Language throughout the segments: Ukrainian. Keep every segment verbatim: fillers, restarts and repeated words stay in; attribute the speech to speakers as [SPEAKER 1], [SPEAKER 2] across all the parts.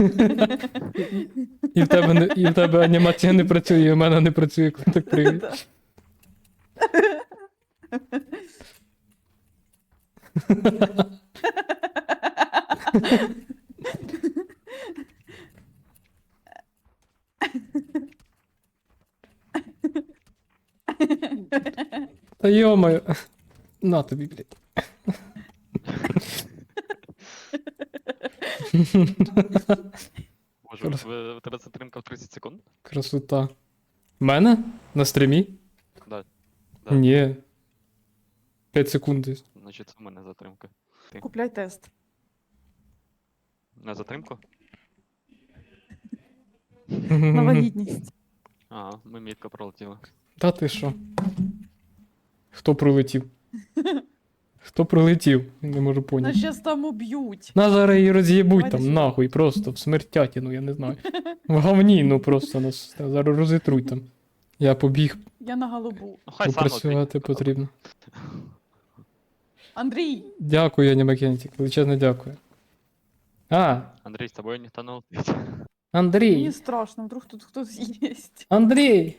[SPEAKER 1] І в тебе, не, і в тебе анімація не працює, і в мене не працює, коли так пригає.
[SPEAKER 2] Да.
[SPEAKER 1] Та йомаю. На тобі, блядь.
[SPEAKER 3] Боже, в тебе- в тебе затримка в тридцять секунд?
[SPEAKER 1] Красота. В мене? На стрімі?
[SPEAKER 3] Да. Да.
[SPEAKER 1] Ні. п'ять секунд десь.
[SPEAKER 3] Значить, це в мене затримка.
[SPEAKER 2] Купляй тест.
[SPEAKER 3] На затримку?
[SPEAKER 2] На вагітність.
[SPEAKER 3] Ага, ми мітко пролетіли.
[SPEAKER 1] Та ти що? Хто прилетів? Хто прилетів? Не можу
[SPEAKER 2] Нас
[SPEAKER 1] поняти.
[SPEAKER 2] щас там уб'ють.
[SPEAKER 1] На зараз її роз'єбуть
[SPEAKER 2] Давайте
[SPEAKER 1] там
[SPEAKER 2] сюди.
[SPEAKER 1] нахуй, просто в смертятіну, я не знаю. В говні, ну просто нас зараз розітруть там. Я побіг,
[SPEAKER 2] Я на голубу.
[SPEAKER 3] Ну хай сам
[SPEAKER 1] попрацювати
[SPEAKER 3] летить.
[SPEAKER 1] потрібно.
[SPEAKER 2] Андрій!
[SPEAKER 1] Дякую, Анімакентик, величезне дякую. А,
[SPEAKER 3] Андрій, з тобою ніхто не летить.
[SPEAKER 1] Андрій!
[SPEAKER 2] Мені страшно, вдруг тут хтось є.
[SPEAKER 1] Андрій!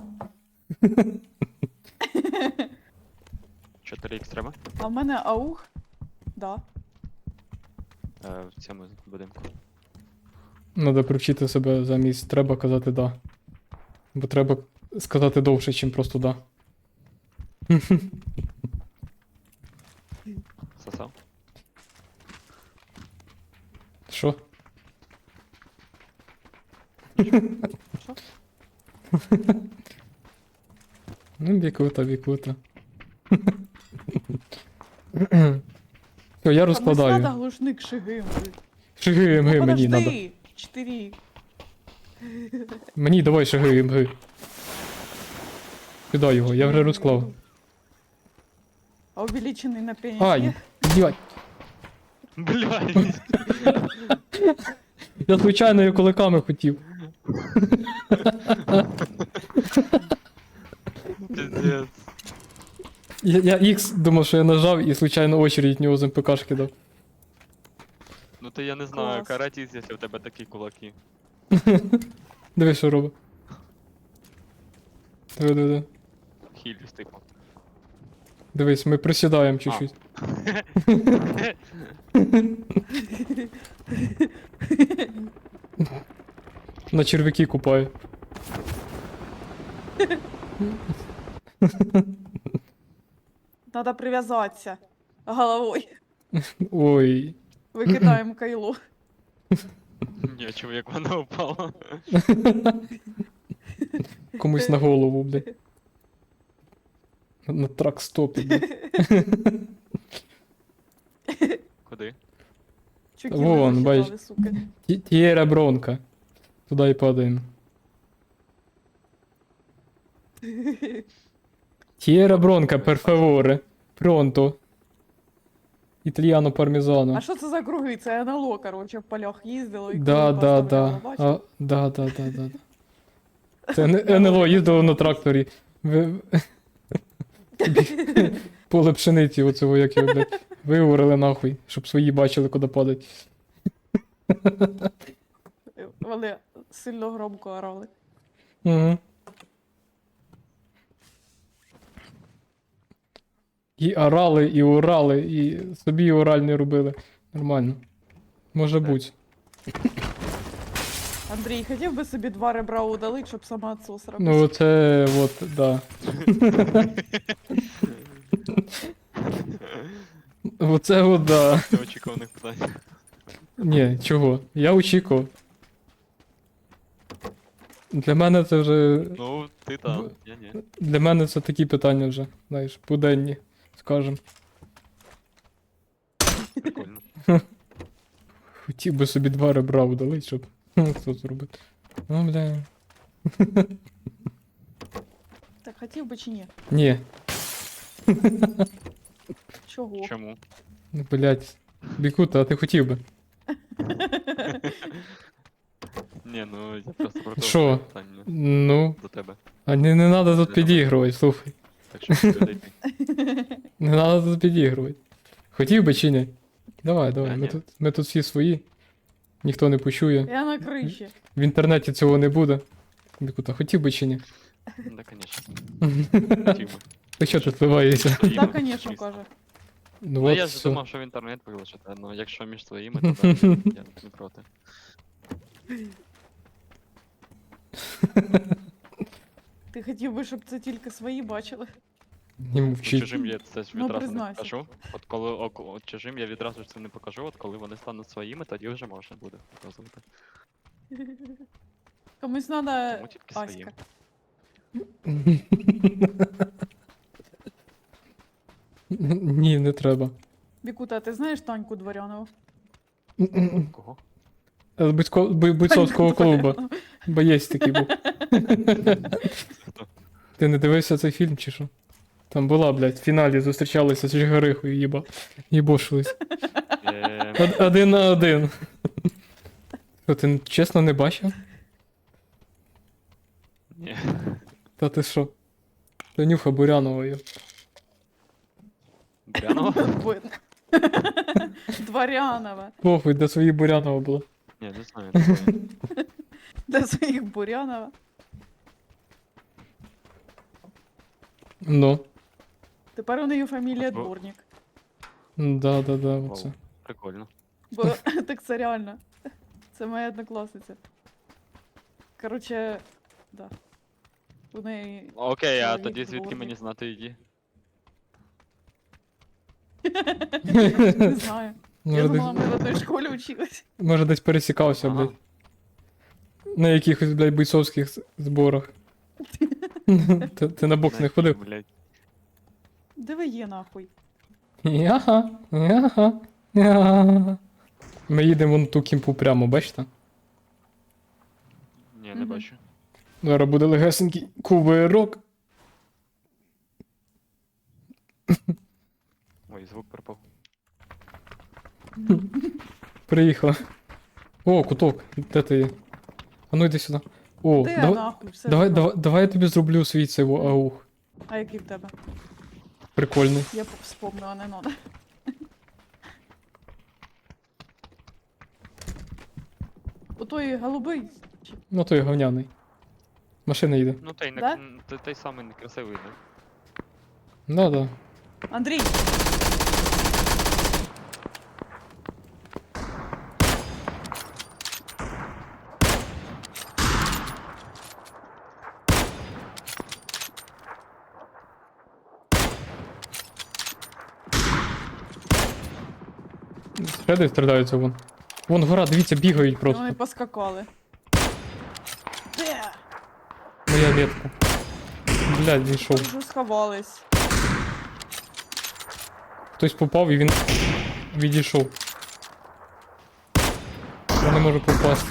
[SPEAKER 3] чотири ікс треба?
[SPEAKER 2] А в мене аух? Да.
[SPEAKER 3] Е, в цьому будинку.
[SPEAKER 1] Надо привчити себе замість треба казати да. Бо треба сказати довше, чим просто да.
[SPEAKER 3] Сосав?
[SPEAKER 1] Що?
[SPEAKER 2] Що?
[SPEAKER 1] Ну, бікута, бікута. Все, я
[SPEAKER 2] Там
[SPEAKER 1] розкладаю.
[SPEAKER 2] надо глушник шигим.
[SPEAKER 1] Шиги МГ
[SPEAKER 2] Ну,
[SPEAKER 1] мені надо.
[SPEAKER 2] подожди. Чотири.
[SPEAKER 1] Мені давай шиги МГ. Кидай його, я вже розклав.
[SPEAKER 2] А увеличений на пеніс
[SPEAKER 1] Ай,
[SPEAKER 2] є?
[SPEAKER 1] блядь.
[SPEAKER 3] Блядь!
[SPEAKER 1] Я звичайно його кулаками хотів.
[SPEAKER 3] Пиздец.
[SPEAKER 1] Я, я X думав, що я нажав і случайно очередь в нього з МПК кидав.
[SPEAKER 3] Ну то я не знаю,
[SPEAKER 2] Клас.
[SPEAKER 3] каратіс, якщо в тебе такі кулаки.
[SPEAKER 1] Диви, що робить. Диви, диви, диви.
[SPEAKER 3] Хіліс, типу.
[SPEAKER 1] Дивись, ми присідаємо чуть-чуть. На червяки купаю.
[SPEAKER 2] Надо прив'язатися головою.
[SPEAKER 1] Ой.
[SPEAKER 2] Викидаємо кайло.
[SPEAKER 3] Ні, чоловік, вона упала.
[SPEAKER 1] Комусь на голову, блядь. На, на трак-стопі, блядь.
[SPEAKER 3] Куди?
[SPEAKER 2] Чуки
[SPEAKER 1] Вон,
[SPEAKER 2] не
[SPEAKER 1] бачиш.
[SPEAKER 2] засчитали, сука.
[SPEAKER 1] Ті- Тієра бронка. Туди і падаємо. Тієра бронка, перфеворе. Пронто. Італіано пармезано.
[SPEAKER 2] А що це за круги? Це НЛО, короче, в полях їздило і
[SPEAKER 1] Да,
[SPEAKER 2] круги
[SPEAKER 1] да,
[SPEAKER 2] поставляло,
[SPEAKER 1] да.
[SPEAKER 2] бачиш?
[SPEAKER 1] А, да, да, да, да. да. Це не- НЛО їздило на тракторі. Ви- Поле пшениці оцього, як його, блядь, виговорили нахуй, щоб свої бачили, куди падать.
[SPEAKER 2] Вони сильно громко орали.
[SPEAKER 1] Угу. І орали, і урали, і собі оральний робили. Нормально. Може
[SPEAKER 3] Так.
[SPEAKER 1] бути.
[SPEAKER 2] Андрій, хотів би собі два ребра удалити, щоб самоотсос робити?
[SPEAKER 1] Ну це от, да. Оце от, да.
[SPEAKER 3] Неочікуваних питань.
[SPEAKER 1] Ні, чого? Я очікував. Для мене це вже.
[SPEAKER 3] Ну, ти там, я ні.
[SPEAKER 1] Для мене це такі питання вже, знаєш, буденні, скажем.
[SPEAKER 3] Прикольно.
[SPEAKER 1] Хотів би собі два ребра удалити, щоб хто зробити. Ну, бля.
[SPEAKER 2] Так хотів би чи ні?
[SPEAKER 1] Ні,
[SPEAKER 2] Чого?
[SPEAKER 3] Чому?
[SPEAKER 1] ну, блядь. Бікута, а ти хотів би?
[SPEAKER 3] Ні, ну я просто про
[SPEAKER 1] Що?
[SPEAKER 3] питання
[SPEAKER 1] Ну,
[SPEAKER 3] до тебе.
[SPEAKER 1] а не, не надо тут
[SPEAKER 3] Для
[SPEAKER 1] підігрувати, слухай.
[SPEAKER 3] Так що людей.
[SPEAKER 1] Не надо тут підігрувати. Хотів би чи ні? Давай, давай,
[SPEAKER 3] Та
[SPEAKER 1] ми
[SPEAKER 3] ні.
[SPEAKER 1] тут, ми тут всі свої. ніхто не почує.
[SPEAKER 2] Я на криші.
[SPEAKER 1] В інтернеті цього не буде. Бікута, хотів би чи ні?
[SPEAKER 3] Да, конечно. Хотів би.
[SPEAKER 1] Ти що тут вливаєшся?
[SPEAKER 3] Своїми,
[SPEAKER 2] Так, звісно,
[SPEAKER 3] звісно.
[SPEAKER 2] каже.
[SPEAKER 1] Ну
[SPEAKER 3] Ну
[SPEAKER 1] от
[SPEAKER 3] я ж
[SPEAKER 1] все.
[SPEAKER 3] думав, що в інтернет вилучити, ну якщо між своїми, то да, я не проти.
[SPEAKER 2] Ти хотів би, щоб це тільки свої бачили?
[SPEAKER 1] Не
[SPEAKER 3] Ну,
[SPEAKER 1] мовчи.
[SPEAKER 3] чужим я це ж
[SPEAKER 2] Ну,
[SPEAKER 3] відразу не
[SPEAKER 2] признайся.
[SPEAKER 3] покажу. От коли ок- от чужим я відразу ж це не покажу, от коли вони стануть своїми, тоді вже можна буде показувати.
[SPEAKER 2] Комусь треба
[SPEAKER 3] Тому тільки своїм.
[SPEAKER 2] Аська.
[SPEAKER 1] Ні, не треба.
[SPEAKER 2] Бікута, ти знаєш Таньку Дворянову?
[SPEAKER 3] Кого?
[SPEAKER 1] З бойцко- бой- бойцовського
[SPEAKER 2] Таньку
[SPEAKER 1] клубу.
[SPEAKER 2] Дворянову.
[SPEAKER 1] Боєць такий був.
[SPEAKER 3] Хто?
[SPEAKER 1] Ти не дивився цей фільм чи що? Там була, блядь, в фіналі зустрічалися з Жигарихою, їба. Їбошились.
[SPEAKER 3] Е,
[SPEAKER 1] Од- Один на один. Що, ти чесно не бачив?
[SPEAKER 3] Ні.
[SPEAKER 1] Та ти що? Танюха Бурянова є.
[SPEAKER 3] Брянова?
[SPEAKER 2] Бу- Дворянова.
[SPEAKER 1] Похуй, де свої Бурянова була.
[SPEAKER 3] Ні, не знаю. не знаю.
[SPEAKER 2] Для своїх Бурянова.
[SPEAKER 1] Ну.
[SPEAKER 2] Тепер у неї фамілія
[SPEAKER 3] Бо-
[SPEAKER 2] Дворник.
[SPEAKER 1] Да, да, да,
[SPEAKER 3] Вау,
[SPEAKER 1] оце.
[SPEAKER 3] Прикольно.
[SPEAKER 2] Бо так це реально. Це моя однокласниця. Короче, да. У неї.
[SPEAKER 3] Окей, а
[SPEAKER 2] Чоловік
[SPEAKER 3] тоді звідки
[SPEAKER 2] дворник.
[SPEAKER 3] мені знати її?
[SPEAKER 2] Не знаю. Я
[SPEAKER 1] Може
[SPEAKER 2] думала,
[SPEAKER 1] десь,
[SPEAKER 2] ми в одній школі вчились.
[SPEAKER 1] може десь пересікався,
[SPEAKER 3] Ага.
[SPEAKER 1] блядь. На якихось, блядь, бойцовських з- зборах. Ти, ти на бокс не ходив?
[SPEAKER 3] Блядь.
[SPEAKER 2] Диви є нахуй.
[SPEAKER 1] Яха, яха, яха. Ми їдемо вон ту кімпу прямо, бачите?
[SPEAKER 3] Ні, не
[SPEAKER 2] Мгм.
[SPEAKER 3] бачу.
[SPEAKER 1] Зараз буде легесенький кувирок.
[SPEAKER 3] Ой, звук пропав.
[SPEAKER 1] Приїхала. О, куток, де ти є? А ну йди сюди. О,
[SPEAKER 2] Де
[SPEAKER 1] давай,
[SPEAKER 2] нахуй? Все
[SPEAKER 1] давай,
[SPEAKER 2] забрав.
[SPEAKER 1] давай, давай я тобі зроблю свій цей во- аух.
[SPEAKER 2] А який в тебе?
[SPEAKER 1] Прикольний.
[SPEAKER 2] Я вспомнила, а не надо. У той голубий. чи-
[SPEAKER 1] Ну той говняний. Машина їде.
[SPEAKER 3] Ну той, не,
[SPEAKER 2] Да?
[SPEAKER 3] м, той, той самий некрасивий, да?
[SPEAKER 1] Да, да.
[SPEAKER 2] Андрій!
[SPEAKER 1] Шеди стріляються вон. Вон гора, дивіться, бігають
[SPEAKER 2] Вони
[SPEAKER 1] просто.
[SPEAKER 2] поскакали. Де?
[SPEAKER 1] Моя метка. Блядь, зійшов.
[SPEAKER 2] Вже сховались.
[SPEAKER 1] Хтось попав і він відійшов. Я не можу попасти.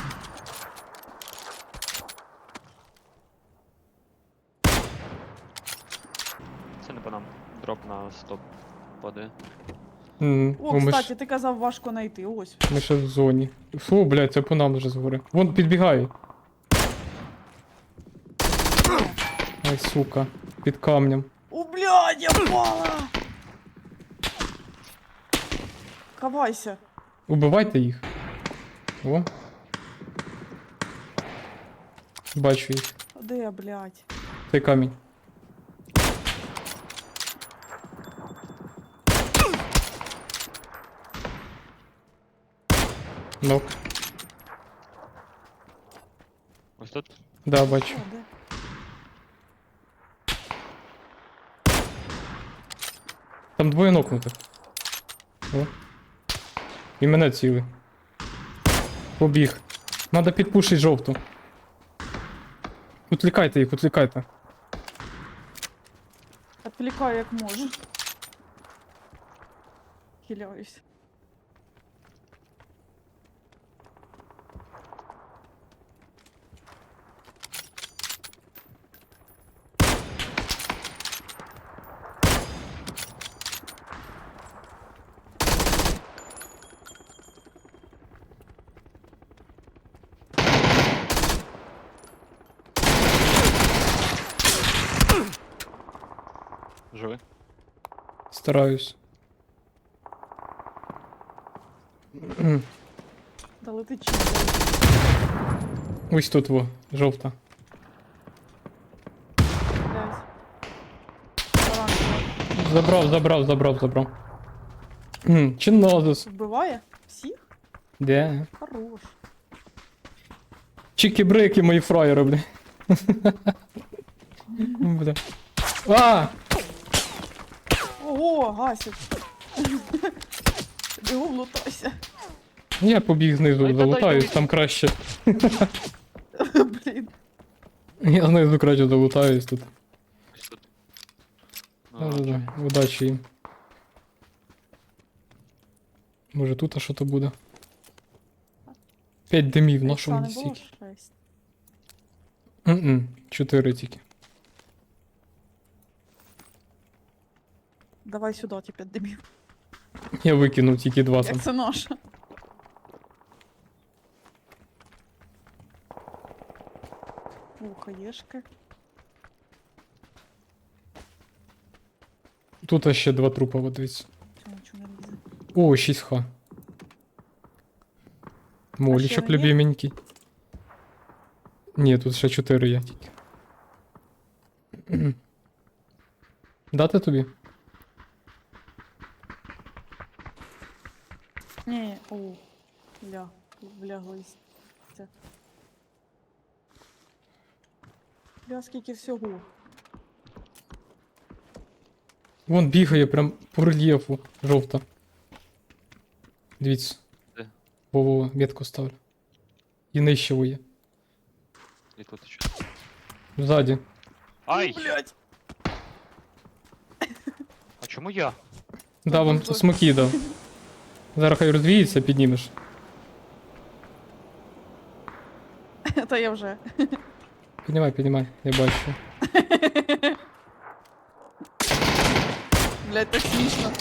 [SPEAKER 3] Це не по нам. Дроп на стоп падає.
[SPEAKER 1] М,
[SPEAKER 2] О,
[SPEAKER 1] ну, ми,
[SPEAKER 2] кстати,
[SPEAKER 1] ж,
[SPEAKER 2] ти казав важко знайти. Ось.
[SPEAKER 1] ми ще в зоні. Фу, блядь, це по нам вже згори. Вон підбігає. Ай, сука. Під камнем.
[SPEAKER 2] О, блядь, я впала! Ховайся.
[SPEAKER 1] Убивайте їх. О. Бачу їх.
[SPEAKER 2] А де я, блядь?
[SPEAKER 1] Цей камінь. Нок.
[SPEAKER 3] Ось тут?
[SPEAKER 1] Да, бачу.
[SPEAKER 2] О, де?
[SPEAKER 1] Там двоє нокнутих. О. І мене ціли. Побіг. Надо підпушити жовту. Утлікайте їх, утлікайте.
[SPEAKER 2] Отвлекаю як можу. Хиляюсь.
[SPEAKER 3] Живи?
[SPEAKER 1] Стараюсь.
[SPEAKER 2] Да летить чи
[SPEAKER 1] Ось тут во, жовта.
[SPEAKER 2] блядь. Оранжева.
[SPEAKER 1] Забрав, забрав, забрав, забрав. М, Чинозус.
[SPEAKER 2] Вбиває? Всіх?
[SPEAKER 1] Де?
[SPEAKER 2] Хорош.
[SPEAKER 1] Чики-брики мої фраєри, бля. Бля. А!
[SPEAKER 2] Ого, гасить. Бігом лутайся.
[SPEAKER 1] Я побіг знизу,
[SPEAKER 3] Ай, та
[SPEAKER 1] залутаюсь,
[SPEAKER 3] дай,
[SPEAKER 1] там краще.
[SPEAKER 2] Блін.
[SPEAKER 1] Я знизу краще залутаюсь тут.
[SPEAKER 3] Ось тут.
[SPEAKER 1] Да, да,
[SPEAKER 3] Оранжевий.
[SPEAKER 1] да. Удачі їм. Може тут а що то буде? П'ять димів, на що
[SPEAKER 2] Ікса
[SPEAKER 1] мені
[SPEAKER 2] не було
[SPEAKER 1] стільки?
[SPEAKER 2] шесть.
[SPEAKER 1] М-м, чотири тільки.
[SPEAKER 2] Давай сюди, ті п'ять димів.
[SPEAKER 1] Я викинув тільки два там.
[SPEAKER 2] Як це наша? У, хаєшки.
[SPEAKER 1] Тут ще два трупа, от дивіться.
[SPEAKER 2] Чого нічого не лізе?
[SPEAKER 1] О, шість х. Молічок
[SPEAKER 2] не є?
[SPEAKER 1] любименький. Ні, тут ще чотири є тільки. Дати тобі?
[SPEAKER 2] Ні, о, бля, вляглись. Це. Бля, скільки всього.
[SPEAKER 1] Вон бігає прям по рельєфу. Жовта. Дивіться.
[SPEAKER 3] Де?
[SPEAKER 1] Во-во, метку ставлю. І нижче є.
[SPEAKER 3] І тут ще.
[SPEAKER 1] Ззаді.
[SPEAKER 3] Ай!
[SPEAKER 2] Блять!
[SPEAKER 3] А чому я?
[SPEAKER 1] Да, вон
[SPEAKER 2] дуже.
[SPEAKER 1] смоки дав. Зараз хай розвіється, піднімеш.
[SPEAKER 2] Та я вже.
[SPEAKER 1] Піднімай, піднімай, я бачу.
[SPEAKER 2] Блять, так смішно.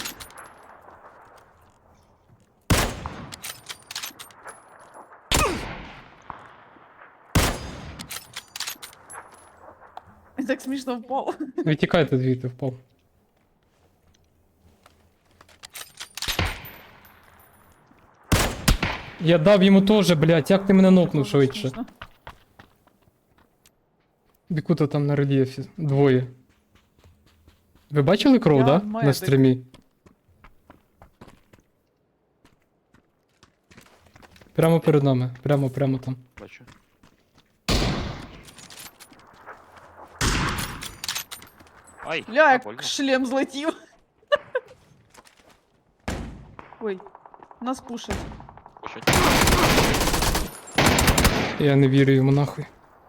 [SPEAKER 2] Він так смішно впав.
[SPEAKER 1] Витікайте звідти, впав. Я дав йому теж, блядь, як ти мене нокнув швидше?
[SPEAKER 2] Смішно.
[SPEAKER 1] Бікута там на рельєфі. Двоє. Ви бачили кров,
[SPEAKER 2] Я
[SPEAKER 1] да? На
[SPEAKER 2] медик.
[SPEAKER 1] стрімі? Прямо перед нами. Прямо, прямо там.
[SPEAKER 3] Бачу. Ай!
[SPEAKER 2] Бля,
[SPEAKER 3] больно.
[SPEAKER 2] як шлем злетів. Ой, нас пушать.
[SPEAKER 3] Пушить.
[SPEAKER 1] Я не вірю йому нахуй.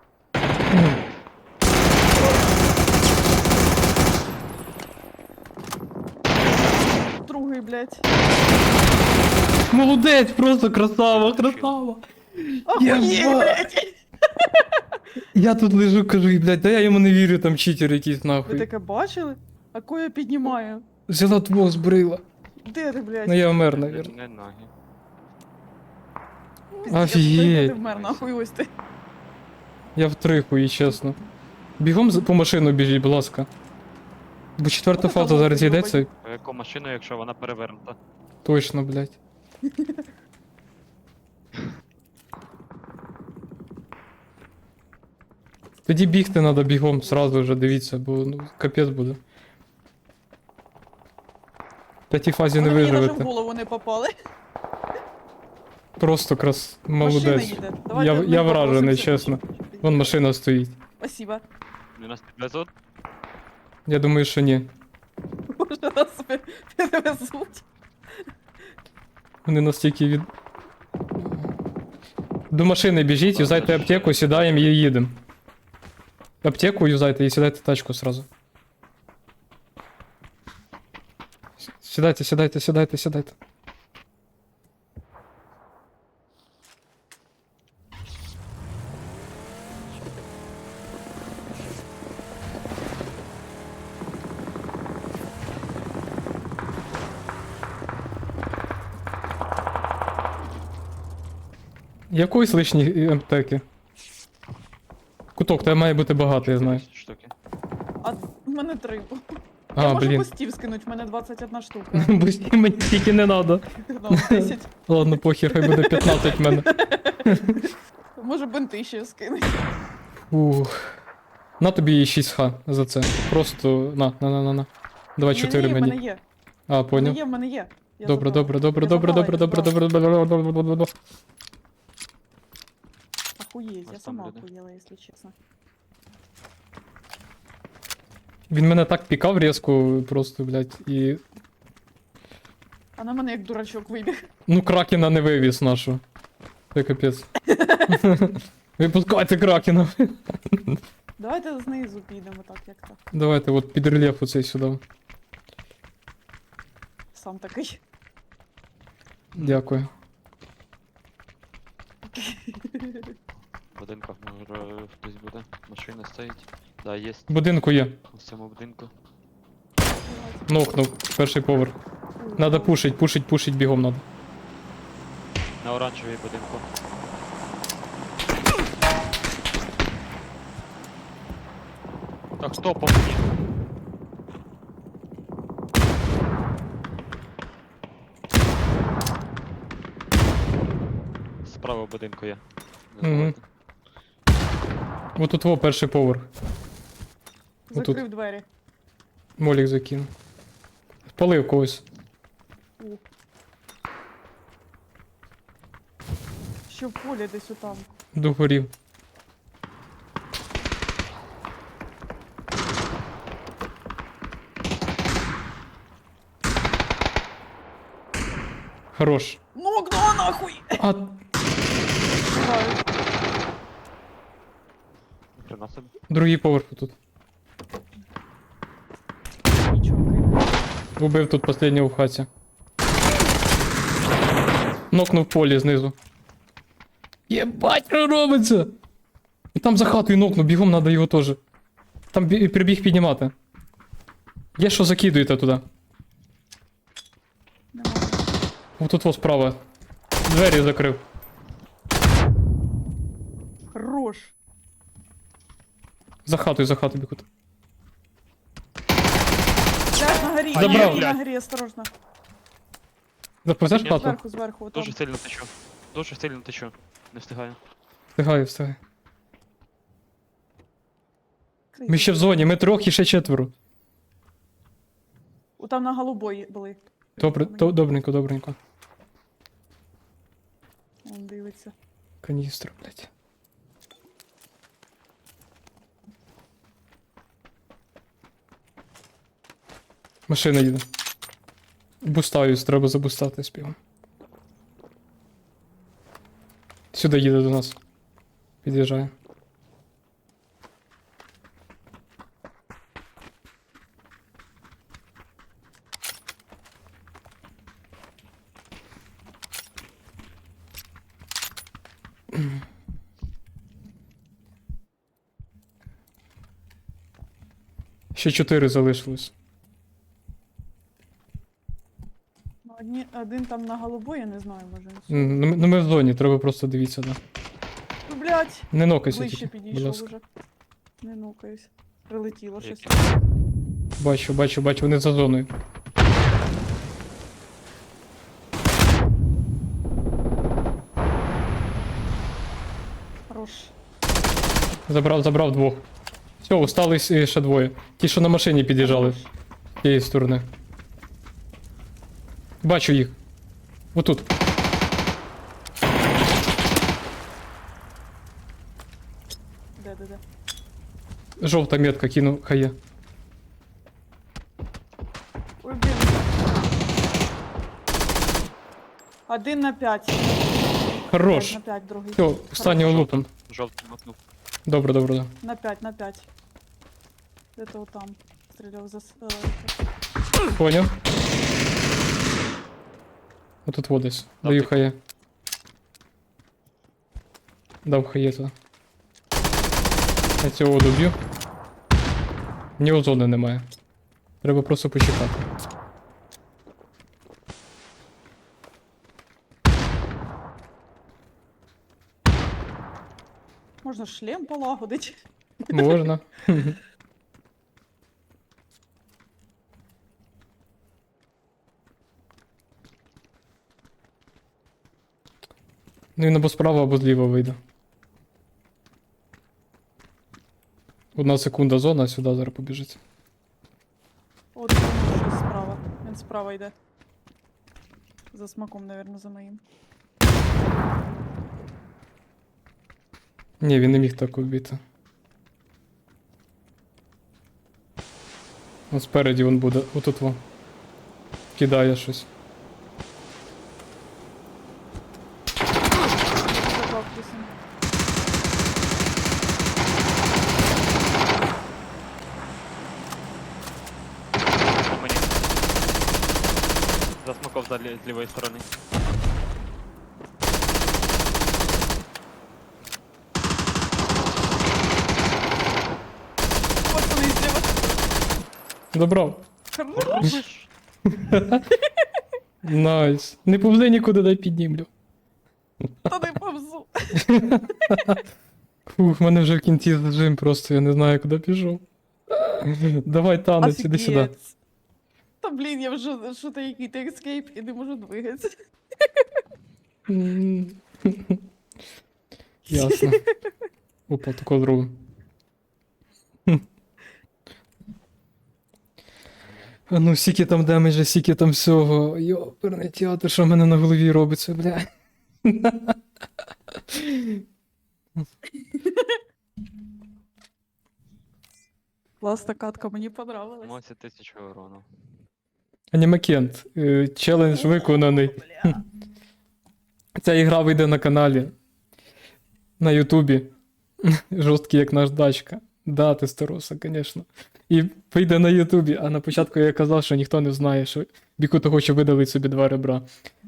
[SPEAKER 2] Другий, блять.
[SPEAKER 1] Молодець, просто красава, красава.
[SPEAKER 2] Охуєть,
[SPEAKER 1] Єба.
[SPEAKER 2] блять.
[SPEAKER 1] Я тут лежу, кажу, і, блядь, да я йому не вірю, там читер якийсь
[SPEAKER 2] Ви
[SPEAKER 1] нахуй.
[SPEAKER 2] таке бачили? А кого я піднімаю?
[SPEAKER 1] Взяла твого збрила.
[SPEAKER 2] Де ти, блять?
[SPEAKER 1] Ну я вмер,
[SPEAKER 3] Не,
[SPEAKER 1] навірно.
[SPEAKER 3] не ноги.
[SPEAKER 1] Офігеть.
[SPEAKER 2] Ти вмер, нахуй ось ти.
[SPEAKER 1] Я втрихую, чесно. Бігом з- по машину біжіть, будь ласка. Бо четверта
[SPEAKER 2] Ота
[SPEAKER 1] фаза
[SPEAKER 2] там
[SPEAKER 1] зараз
[SPEAKER 2] лодка
[SPEAKER 1] йдеться.
[SPEAKER 3] А яку машину, якщо вона перевернута?
[SPEAKER 1] Точно, блядь. Тоді бігти треба бігом сразу вже, дивіться, бо ну, капець буде. В п'ятій фазі не
[SPEAKER 2] Вони мені навіть в
[SPEAKER 1] виживете.
[SPEAKER 2] голову не попали.
[SPEAKER 1] Просто крас...
[SPEAKER 2] Машина
[SPEAKER 1] молодець.
[SPEAKER 2] їде.
[SPEAKER 1] Я,
[SPEAKER 2] Давайте ми
[SPEAKER 1] я вражений,
[SPEAKER 2] попросимося.
[SPEAKER 1] чесно. Вон машина стоїть.
[SPEAKER 2] Спасибо.
[SPEAKER 3] Вони нас підвезуть?
[SPEAKER 1] Я думаю, що ні.
[SPEAKER 2] Може нас пер- перевезуть.
[SPEAKER 1] Вони настільки від. До машини біжіть, юзайте аптеку, сідаємо і їдемо. Аптеку юзайте і сідайте в тачку сразу. С- Сідайте, сідайте, сідайте, сідайте. Якоїсь лишньої аптеки. Куток, тебе має бути багато, я знаю.
[SPEAKER 3] Штуки.
[SPEAKER 2] А в мене три. Я
[SPEAKER 1] А,
[SPEAKER 2] можу
[SPEAKER 1] блін.
[SPEAKER 2] постів скинуть, в мене двадцять одна штука.
[SPEAKER 1] Бусті мені тільки не надо.
[SPEAKER 2] Ну, десять.
[SPEAKER 1] Ладно, похер, хай буде п'ятнадцять в мене.
[SPEAKER 2] Може бинти ще скинуть.
[SPEAKER 1] Ух. На тобі шість х за це. Просто на, на, на, на, на. Давай чотири
[SPEAKER 2] Ні-ні, в мене
[SPEAKER 1] мені.
[SPEAKER 2] є.
[SPEAKER 1] А,
[SPEAKER 2] В мене
[SPEAKER 1] поняв.
[SPEAKER 2] є, в мене є. Я
[SPEAKER 1] Добре,
[SPEAKER 2] забрала.
[SPEAKER 1] добре, добре,
[SPEAKER 2] Я
[SPEAKER 1] добре,
[SPEAKER 2] забрала,
[SPEAKER 1] добре,
[SPEAKER 2] я
[SPEAKER 1] добре,
[SPEAKER 2] забрала.
[SPEAKER 1] добре, добре, добре, добре, добре.
[SPEAKER 2] Охуєть, я
[SPEAKER 3] Ось там
[SPEAKER 2] сама
[SPEAKER 3] люди.
[SPEAKER 2] охуєла, якщо чесно.
[SPEAKER 1] Він мене так пікав різко, просто, блядь, і.
[SPEAKER 2] А на мене як дурачок вибіг.
[SPEAKER 1] Ну, кракена не вивіз нашу. Це капець. Випускайте кракена.
[SPEAKER 2] Давайте знизу підемо так, як так.
[SPEAKER 1] Давайте, от під рельєф оцей сюди.
[SPEAKER 2] Сам такий.
[SPEAKER 1] Дякую.
[SPEAKER 3] В будинках може хтось буде. Машина стоїть. Да, є
[SPEAKER 1] В будинку є.
[SPEAKER 3] в цьому будинку.
[SPEAKER 1] Нокнув. Перший поверх. Надо пушить, пушить, пушить, бігом надо.
[SPEAKER 3] На оранжевій будинку. Так, хто по мені? Справа в будинку є. Не
[SPEAKER 1] Мгм.
[SPEAKER 3] забувайте.
[SPEAKER 1] От тут во перший поверх. Отут.
[SPEAKER 2] Закрив двері.
[SPEAKER 1] Молік закинув. Спалив когось.
[SPEAKER 2] У. Що в полі десь отам.
[SPEAKER 1] Догорів. Хорош.
[SPEAKER 2] Нокнула нахуй!
[SPEAKER 1] А,
[SPEAKER 2] Знаю.
[SPEAKER 3] Хрена собі.
[SPEAKER 1] другий поверх тут.
[SPEAKER 2] Нічого, окей.
[SPEAKER 1] Убив тут останнього в хаті. Нокнув полі знизу. Єбать, що робиться! І там за хатою нокнув, бігом надо його теж. Там бі- прибіг піднімати. Є що закидуєте туди.
[SPEAKER 2] Нема.
[SPEAKER 1] Отут во справа. Двері закрив.
[SPEAKER 2] Хорош.
[SPEAKER 1] За хатою, за хатою бігуть.
[SPEAKER 2] Блядь, на горі,
[SPEAKER 1] Забрав.
[SPEAKER 2] на горі,
[SPEAKER 3] Блядь.
[SPEAKER 2] на горі, осторожно.
[SPEAKER 1] Заповзеш
[SPEAKER 3] Ні,
[SPEAKER 1] хату?
[SPEAKER 2] Зверху, зверху, отам.
[SPEAKER 3] Дуже сильно течу. Дуже сильно течу. Не встигаю.
[SPEAKER 1] Встигаю, встигаю.
[SPEAKER 2] Крий.
[SPEAKER 1] Ми ще в зоні, ми трьох і ще четверо.
[SPEAKER 2] О, там на голубой були.
[SPEAKER 1] Добре, то, добренько, добренько.
[SPEAKER 2] Он дивиться.
[SPEAKER 1] Каністра, блядь. Машина їде. Бустаюсь, треба забустати співом. Сюди їде до нас. Під'їжджає. Ще чотири залишилось.
[SPEAKER 2] Ну, одні, один там на голубой, я не знаю, може. він
[SPEAKER 1] М, Ну, ми- ну ми в зоні, треба просто дивитися, да.
[SPEAKER 2] Ну, блядь,
[SPEAKER 1] Не нокайся
[SPEAKER 2] ближче
[SPEAKER 1] тільки, будь
[SPEAKER 2] підійшов
[SPEAKER 1] ласка.
[SPEAKER 2] уже. Не нукаюсь. Прилетіло щось.
[SPEAKER 3] Які?
[SPEAKER 1] Бачу, бачу, бачу, вони за зоною.
[SPEAKER 2] Хорош.
[SPEAKER 1] Забрав, забрав двох. Все, остались е, ще двоє. Ті, що на машині під'їжджали.
[SPEAKER 2] Хорош.
[SPEAKER 1] З тієї сторони. Бачу їх. Отут.
[SPEAKER 2] Де, де, де.
[SPEAKER 1] Жовта метка кину, хай є.
[SPEAKER 2] Ой, блін. Один на п'ять.
[SPEAKER 1] Хорош.
[SPEAKER 2] П'ять на п'ять, другий.
[SPEAKER 1] Все, останнього лупом.
[SPEAKER 3] Жовтий мотнув.
[SPEAKER 1] Добре, добре, да.
[SPEAKER 2] На п'ять, на п'ять. Де-то там. Стріляв за... с- е,
[SPEAKER 1] Поняв. Отут вот десь.
[SPEAKER 3] Дав
[SPEAKER 1] Даю
[SPEAKER 3] ти-
[SPEAKER 1] хає. Дав хає туди. Я цього доб'ю. В нього зони немає. Треба просто почекати.
[SPEAKER 2] Можна шлем полагодить.
[SPEAKER 1] Можна. Ну він або справа, або зліва вийде. Одна секунда зона, а сюди зараз побіжить.
[SPEAKER 2] От він щось справа. Він справа йде. За смаком, наверное, за моїм.
[SPEAKER 1] Ні, він не міг так вбити. От спереді він буде, отут во. Кидає щось.
[SPEAKER 2] Забав кисень.
[SPEAKER 3] По мені. Засмоков за лі- з лівої сторони.
[SPEAKER 2] Пацани, зліва.
[SPEAKER 1] Добрав.
[SPEAKER 2] Хорош.
[SPEAKER 1] Найс. Не повзи нікуди, дай піднімлю.
[SPEAKER 2] Та не повзу.
[SPEAKER 1] Фух, в мене вже в кінці зажим, просто я не знаю, куди пішов. Давай, танець, іди сюди.
[SPEAKER 2] Офігеть. Та блін, я вже що то який-то ескейп і не можу двигатися.
[SPEAKER 1] М. Ясно. Опа, тако зробимо. А ну, скільки там демеджа, скільки там всього. Йоперний театр, що в мене на голові робиться, бля.
[SPEAKER 2] Класна катка, мені понравилась.
[SPEAKER 3] Мося тисячу урону.
[SPEAKER 1] Анімакент. Е, Челендж виконаний.
[SPEAKER 2] Бля.
[SPEAKER 1] Ця ігра вийде на каналі. На Ютубі. Жорсткий, як наш дачка. Да, ти староса, звісно. І вийде на Ютубі, а на початку я казав, що ніхто не знає, що Бікуто хоче видалити собі два ребра.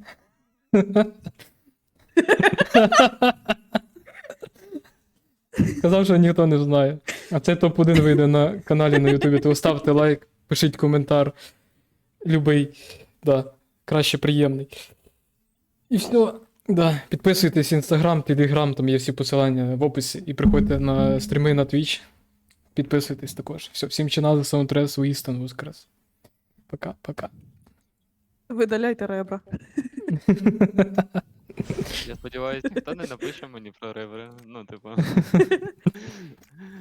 [SPEAKER 1] Казав, що ніхто не знає. А цей топ один вийде на каналі на Ютубі, то ставте лайк, пишіть коментар. Любий, да, краще приємний. І все. Да, підписуйтесь в інстаграм, телеграм, там є всі посилання в описі. І приходьте на стріми на Twitch. Підписуйтесь також. Все, всім чинали, саундтрес, Уістон, воскрес. Пока, пока.
[SPEAKER 2] Видаляйте ребра.
[SPEAKER 3] Я сподіваюся, ніхто не напише мені про ревери. Ну, типу.